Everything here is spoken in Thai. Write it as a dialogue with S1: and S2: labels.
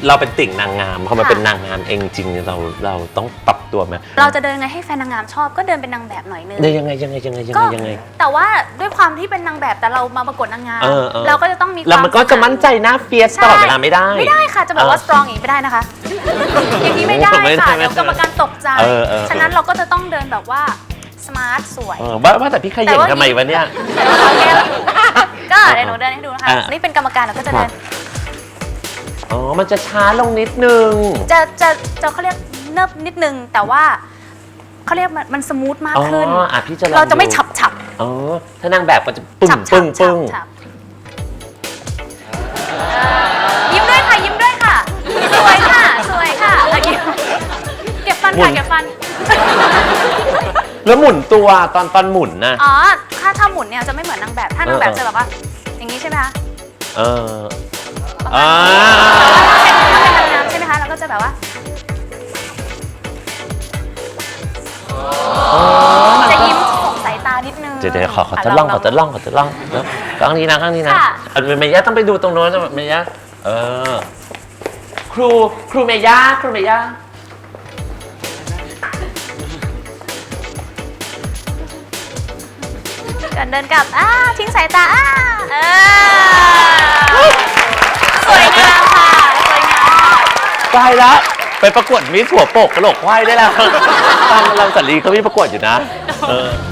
S1: เราเป็นติ่งนางงามพอมาเป็นนางงามเองจริงเราต้องปรับตัวไหม
S2: เราจะเดินไงให้แฟนนางงามชอบก็เดินเป็นนางแบบหน่อยนึง
S1: ยังไง
S2: แต่ว่าด้วยความที่เป็นนางแบบแต่เรามาประกวดนางงามเราก็จะต้องมีความ
S1: แล้วมันก็จะมั่นใจหน้าเฟียสตลอดเวลาไม่ได้
S2: ค่ะจะบอกว่าสตรองอย่างนี้ไม่ได้นะคะอย่างนี้ไม่ได้ค่ะเดี๋ยวกรรมการตกใจฉะนั้นเราก็จะต้องเดินแบบว่าสมาร์ทสวย
S1: ว่าแต่พี่ขยันทำไมวะเนี่ย
S2: ก็เดี๋ยวหนูเดินให้ดูนะคะนี่เป็นกรรมการเราก็จะเดิน
S1: มันจะช้าลงนิดนึง
S2: จะเขาเรียกเนิบนิดนึงแต่ว่าเขาเรียกมันสมูทมากขึ้นเราจะไม่ฉับ
S1: ถ้านางแบบก็จะปึ้ง
S2: ยิ้มด้วยค่ะยิ้มด้วยค่ะสวยค่ะเก็บฟันค่ะเก็บฟัน
S1: แล้วหมุนตัวตอนหมุนนะ
S2: ถ้าหมุนเนี่ยจะไม่เหมือนนางแบบถ้านางแบบจะแบบว่าอย่างนี้ใช่ไหมคะถ้าเป็นนางงามใช่ไหมคะเราก็จะแบบว่าจะยิ้มส่งสายตานิดนึง
S1: เดี๋ยวขอจะล่องแล้วกล้องนี้นะเมย่าต้องไปดูตรงโน้นนะเมย่าครูเมย่า
S2: เดินกลับทิ้งสายตาสวยงามค่ะสวยงาม
S1: ตายแล้วไปประกวดมิสหัวโปกกระโหลกควายได้แล้วตามลำสันลีเขามีประกวดอยู่นะ